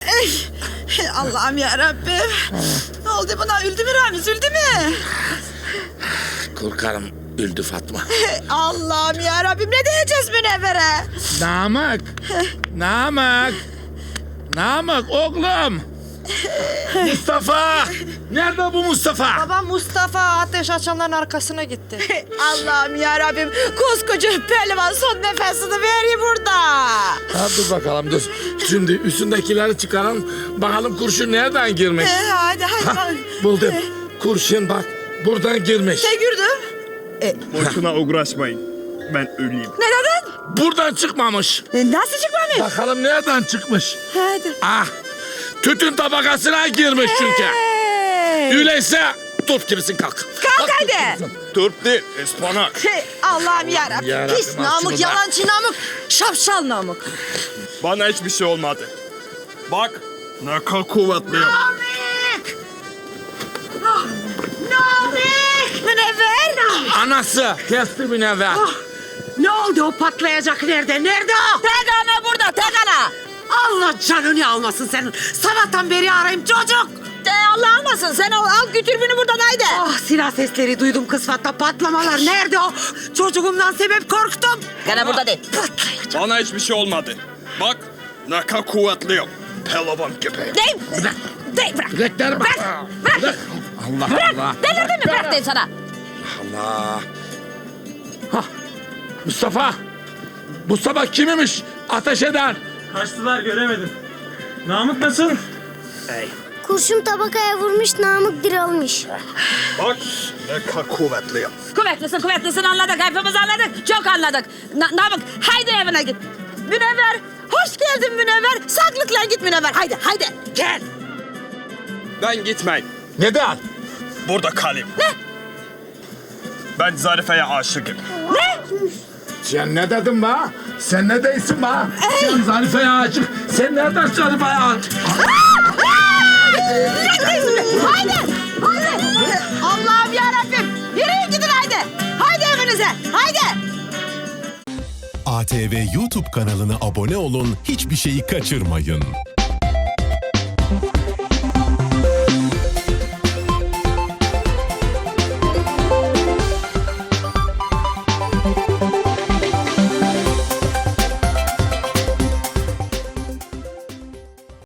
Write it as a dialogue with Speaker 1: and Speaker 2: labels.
Speaker 1: Allah'ım yarabbim. Ne oldu buna? Öldü mü Ramiz? Öldü mü?
Speaker 2: Korkarım öldü Fatma.
Speaker 1: Allah'ım yarabbim, ne diyeceğiz Münevver'e?
Speaker 2: Namık oğlum. Mustafa. Nerede bu Mustafa?
Speaker 3: Babam Mustafa ateş açanların arkasına gitti.
Speaker 1: Allah'ım yarabbim, koskoca pehlivan son nefesini veriyor burada.
Speaker 2: Ha, dur bakalım dur. Şimdi üstündekileri çıkaralım. Bakalım kurşun nereden girmiş?
Speaker 1: Hadi
Speaker 2: Ha, buldum. Kurşun bak buradan girmiş.
Speaker 1: Ne gördüm?
Speaker 4: Boşuna uğraşmayın. Ben öleyim.
Speaker 1: Ne dedin?
Speaker 2: Buradan çıkmamış.
Speaker 1: Nasıl çıkmamış?
Speaker 2: Bakalım nereden çıkmış?
Speaker 1: Hadi.
Speaker 2: Ah, tütün tabakasına girmiş çünkü. Öyleyse turp gibisin kalk.
Speaker 1: Kalk hadi.
Speaker 4: Turp değil, ıspanak.
Speaker 1: Allah'ım yarabbim.
Speaker 2: Yarabbim,
Speaker 1: Pis
Speaker 2: al şunu
Speaker 1: namık,
Speaker 2: da.
Speaker 1: yalancı namık, şapşal namık.
Speaker 4: Bana hiçbir şey olmadı. Bak, ne kadar kuvvetliyim.
Speaker 1: Münevver.
Speaker 2: Anası kesti Münevver.
Speaker 5: Ne oldu o patlayacak nerede? Nerede o?
Speaker 1: Tek ana burada, tek ana.
Speaker 5: Allah canını almasın senin. Sabahtan beri arayayım çocuk.
Speaker 1: Allah almasın, sen al götür beni buradan haydi.
Speaker 5: Ah silah sesleri duydum kısfatta patlamalar. Nerede o? Çocuğumdan sebep korktum.
Speaker 1: Gene burada değil.
Speaker 5: Patlayacak.
Speaker 4: Bana hiçbir şey olmadı. Bak, ne kadar kuvvetliyim. Pelavan gibi.
Speaker 1: Değil. Değil, bırak.
Speaker 2: Bilekleri bak.
Speaker 1: Bırak.
Speaker 2: Allah Allah.
Speaker 1: Delirdin mi? Bırak deyin sana.
Speaker 2: Allah. Hah, Mustafa. Mustafa kimmiş? Ateş eden.
Speaker 6: Kaçtılar göremedim. Namık nasıl?
Speaker 7: Kurşun tabakaya vurmuş, Namık diralmış.
Speaker 4: Bak, ne kadar kuvvetliyim.
Speaker 1: Kuvvetlisin anladık. Hepimiz anladık. Çok anladık. Namık haydi evine git. Münevver. Hoş geldin Münevver. Saklıkla git Münevver. Haydi haydi. Gel.
Speaker 4: Ben gitmeyin.
Speaker 2: Neden?
Speaker 4: Burada kalayım. Ne? Ben Zarife'ye aşığım.
Speaker 2: Sen ne dedin be? Sen ne değilsin be? Sen Zarife'ye aşık. Sen nereden Zarife'ye aşık?
Speaker 1: Haydi. Haydi. Allah'ım yarabbim. Yürüyün gidin haydi. Haydi evinize. Haydi.
Speaker 8: ATV YouTube kanalına abone olun, hiçbir şeyi kaçırmayın.